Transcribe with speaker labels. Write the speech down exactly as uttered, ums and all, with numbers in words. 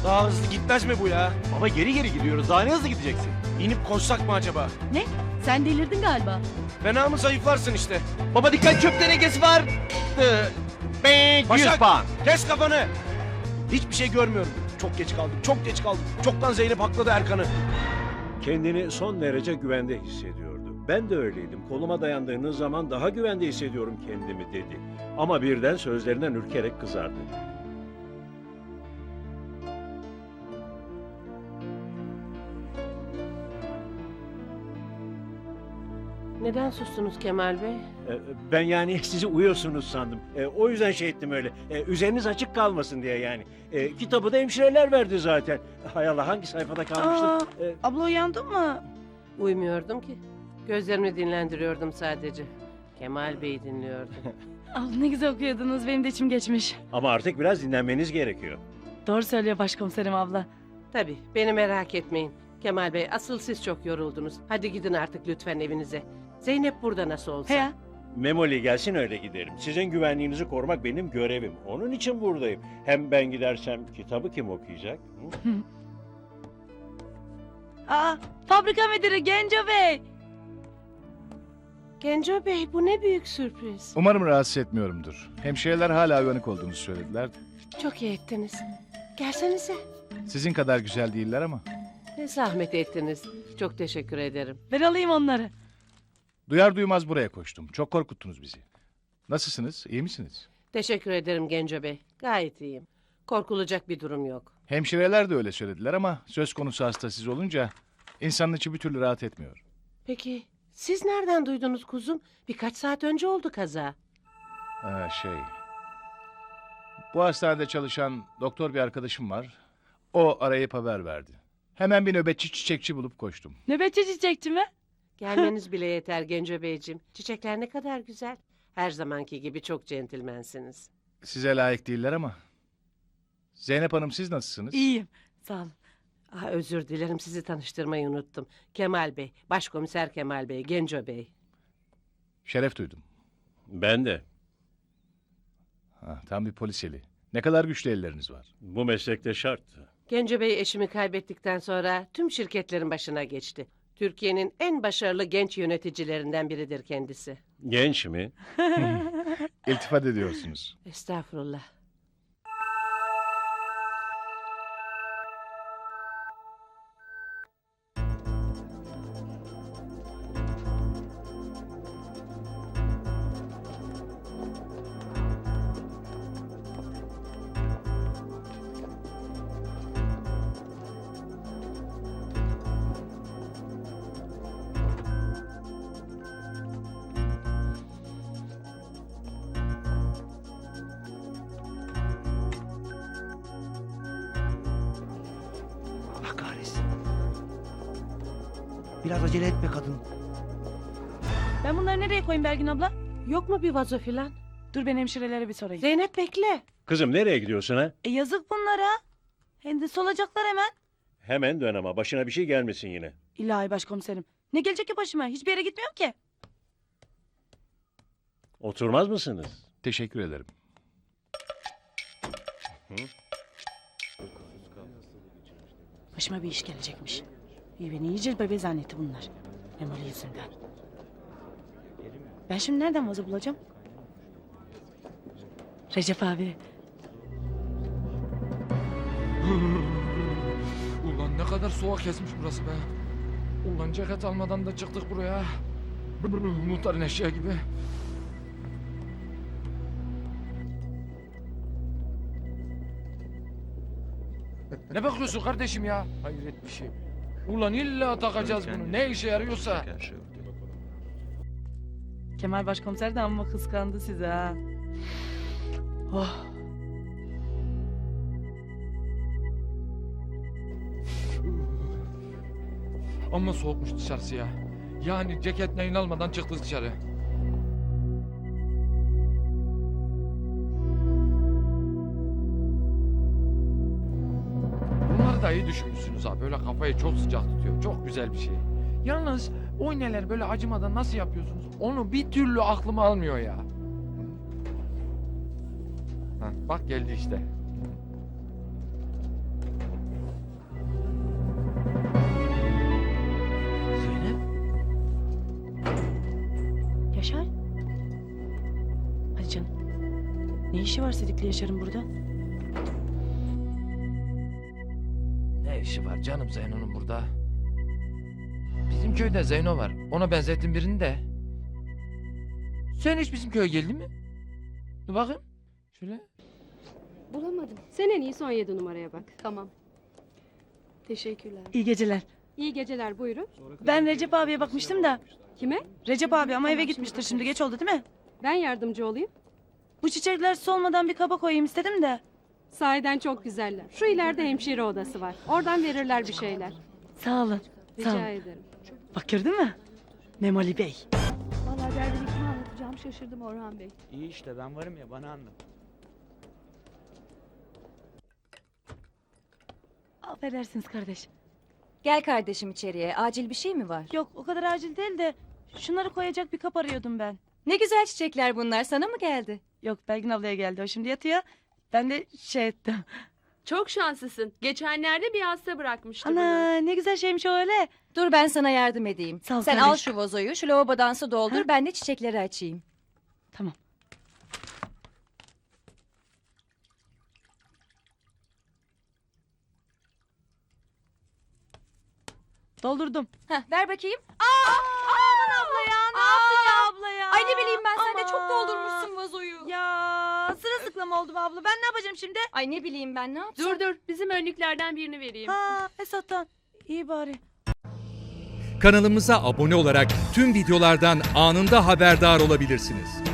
Speaker 1: Daha hızlı gitmez mi bu ya?
Speaker 2: Baba geri geri gidiyoruz. Daha ne hızlı gideceksin?
Speaker 1: İnip koşsak mı acaba?
Speaker 3: Ne? Sen delirdin galiba.
Speaker 1: Fena mı zayıflarsın işte.
Speaker 2: Baba dikkat, çöp tenekesi var. Ben yüz
Speaker 1: Başak,
Speaker 2: puan.
Speaker 1: kes kafanı. Hiçbir şey görmüyorum. Çok geç kaldık, çok geç kaldık. Çoktan Zeynep hakladı Erkan'ı.
Speaker 4: Kendini son derece güvende hissediyordu. Ben de öyleydim. Koluma dayandığınız zaman daha güvende hissediyorum kendimi dedi. Ama birden sözlerinden ürkerek kızardı.
Speaker 5: Neden sustunuz Kemal Bey?
Speaker 4: Ee, Ben yani sizi uyuyorsunuz sandım. Ee, O yüzden şey ettim öyle. Ee, Üzeriniz açık kalmasın diye yani. Ee, Kitabı da hemşireler verdi zaten. Hay Allah, hangi sayfada
Speaker 3: Aa,
Speaker 4: kalmıştık? Ee,
Speaker 3: abla uyandın mı?
Speaker 5: Uyumuyordum ki. Gözlerimi dinlendiriyordum sadece. Kemal Bey'i dinliyordum.
Speaker 3: Abla ne güzel okuyordunuz. Benim de içim geçmiş.
Speaker 4: Ama artık biraz dinlenmeniz gerekiyor.
Speaker 3: Doğru söylüyor başkomiserim abla.
Speaker 5: Tabii, beni merak etmeyin. Kemal Bey, asıl siz çok yoruldunuz. Hadi gidin artık lütfen evinize. Zeynep burada nasıl olsa.
Speaker 3: He ya.
Speaker 4: Memoli gelsin, öyle giderim. Sizin güvenliğinizi korumak benim görevim. Onun için buradayım. Hem ben gidersem kitabı kim okuyacak? Hı?
Speaker 3: Aa, fabrika müdürü Genco Bey.
Speaker 5: Genco Bey, bu ne büyük sürpriz.
Speaker 6: Umarım rahatsız etmiyorumdur. Hemşireler hala uyanık olduğunuzu söylediler.
Speaker 5: Çok iyi ettiniz. Gelsenize.
Speaker 6: Sizin kadar güzel değiller ama.
Speaker 5: Ne zahmet ettiniz. Çok teşekkür ederim.
Speaker 3: Ben alayım onları.
Speaker 6: Duyar duymaz buraya koştum. Çok korkuttunuz bizi. Nasılsınız? İyi misiniz?
Speaker 5: Teşekkür ederim Genco Bey. Gayet iyiyim. Korkulacak bir durum yok.
Speaker 6: Hemşireler de öyle söylediler ama söz konusu hasta siz olunca insanın içi bir türlü rahat etmiyor.
Speaker 5: Peki, siz nereden duydunuz kuzum? Birkaç saat önce oldu kaza.
Speaker 6: Ha, şey... Bu hastanede çalışan doktor bir arkadaşım var. O arayıp haber verdi. Hemen bir nöbetçi çiçekçi bulup koştum.
Speaker 3: Nöbetçi çiçekçi mi?
Speaker 5: Gelmeniz bile yeter Genco Beyciğim. Çiçekler ne kadar güzel. Her zamanki gibi çok centilmensiniz.
Speaker 6: Size layık değiller ama. Zeynep Hanım, siz nasılsınız?
Speaker 3: İyiyim. Sağ olun.
Speaker 5: Ah, özür dilerim, sizi tanıştırmayı unuttum. Kemal Bey, Başkomiser Kemal Bey, Genco Bey.
Speaker 6: Şeref duydum.
Speaker 4: Ben de.
Speaker 6: Ha, tam bir polis eli. Ne kadar güçlü elleriniz var.
Speaker 4: Bu meslekte şart.
Speaker 5: Genco Bey eşimi kaybettikten sonra tüm şirketlerin başına geçti. Türkiye'nin en başarılı genç yöneticilerinden biridir kendisi.
Speaker 4: Genç mi?
Speaker 6: İltifat ediyorsunuz.
Speaker 5: Estağfurullah.
Speaker 7: Allah kahretsin. Biraz acele etme kadın.
Speaker 3: Ben bunları nereye koyayım Belgin abla?
Speaker 5: Yok mu bir vazo filan?
Speaker 3: Dur ben hemşirelere bir sorayım.
Speaker 5: Zeynep bekle.
Speaker 4: Kızım, nereye gidiyorsun ha?
Speaker 3: E yazık bunlara. Hem de solacaklar hemen.
Speaker 4: Hemen dön ama başına bir şey gelmesin yine.
Speaker 3: İlahi başkomiserim. Ne gelecek ki başıma? Hiçbir yere gitmiyorum ki.
Speaker 4: Oturmaz mısınız?
Speaker 6: Teşekkür ederim.
Speaker 3: Başıma bir iş gelecekmiş. İyi beni iyice bebe zannetti bunlar. Memoli yüzünden. Ben şimdi nereden vazo bulacağım? Recep abi.
Speaker 8: Ulan ne kadar soğuk kesmiş burası be. Ulan ceket almadan da çıktık buraya. Muhtarın eşeği gibi. Ne bakıyorsun kardeşim ya? Hayret bir şey. Ulan illa takacağız bunu. Ne işe yarıyorsa.
Speaker 3: Kemal başkomiser de amma kıskandı sizi ha. Oh.
Speaker 8: Amma soğukmuş dışarısı ya. Yani ceket neyin almadan çıktık dışarı. Bunları da iyi düşünmüşsünüz ha. Böyle kafayı çok sıcak tutuyor. Çok güzel bir şey. Yalnız o iğneler böyle acımadan nasıl yapıyorsunuz? Onu bir türlü aklıma almıyor ya. Heh, bak geldi işte.
Speaker 3: Ne işi var Sedik'le Yaşar'ın burada?
Speaker 8: Ne işi var canım Zeyno'nun burada? Bizim köyde Zeyno var. Ona benzettim birini de. Sen hiç bizim köye geldin mi? Dur bakayım. Şöyle.
Speaker 9: Bulamadım. Sen en iyisi on yedi numaraya bak. Tamam. Teşekkürler.
Speaker 3: İyi geceler.
Speaker 9: İyi geceler, buyurun.
Speaker 3: Ben Recep abiye bakmıştım da.
Speaker 9: Kime?
Speaker 3: Recep abi ama eve gitmiştir şimdi, geç oldu değil mi?
Speaker 9: Ben yardımcı olayım.
Speaker 3: Bu çiçekler solmadan bir kaba koyayım istedim de.
Speaker 9: Sahiden çok güzeller. Şu ileride hemşire odası var. Oradan verirler bir şeyler.
Speaker 3: Sağ olun. Sağ
Speaker 9: Rica
Speaker 3: olun.
Speaker 9: ederim.
Speaker 3: Bak gördün mü? Memoli Bey.
Speaker 10: Vallahi derdini kime anlatacağım şaşırdım Orhan Bey.
Speaker 2: İyi işte ben varım ya bana anlat.
Speaker 3: Affedersiniz kardeş.
Speaker 10: Gel kardeşim içeriye. Acil bir şey mi var?
Speaker 3: Yok o kadar acil değil de şunları koyacak bir kap arıyordum ben.
Speaker 10: Ne güzel çiçekler bunlar. Sana mı geldi?
Speaker 3: Yok Belgin ablaya geldi, o şimdi yatıyor. Ben de şey ettim.
Speaker 9: Çok şanslısın. Geçenlerde bir hasta bırakmıştı
Speaker 3: Ana ne güzel şeymiş o öyle.
Speaker 10: Dur ben sana yardım edeyim.
Speaker 3: Sağ ol
Speaker 10: Sen
Speaker 3: kardeşim.
Speaker 10: al şu vazoyu, şu lavabodan su doldur.
Speaker 3: Ha?
Speaker 10: Ben de çiçekleri açayım.
Speaker 3: Tamam. Doldurdum.
Speaker 10: Heh, ver bakayım. Aa, aman abla ya, ne yapacağım?
Speaker 3: abla ya.
Speaker 10: Ay ne bileyim ben, sen de çok
Speaker 3: Aman.
Speaker 10: doldurmuşsun vazoyu.
Speaker 3: Ya sırılsıklam oldum abla. Ben ne yapacağım şimdi?
Speaker 10: Ay ne bileyim ben, ne yapsam?
Speaker 9: Dur dur, bizim önlüklerden birini vereyim.
Speaker 3: Ha Esat'tan. İyi bari.
Speaker 11: Kanalımıza abone olarak tüm videolardan anında haberdar olabilirsiniz.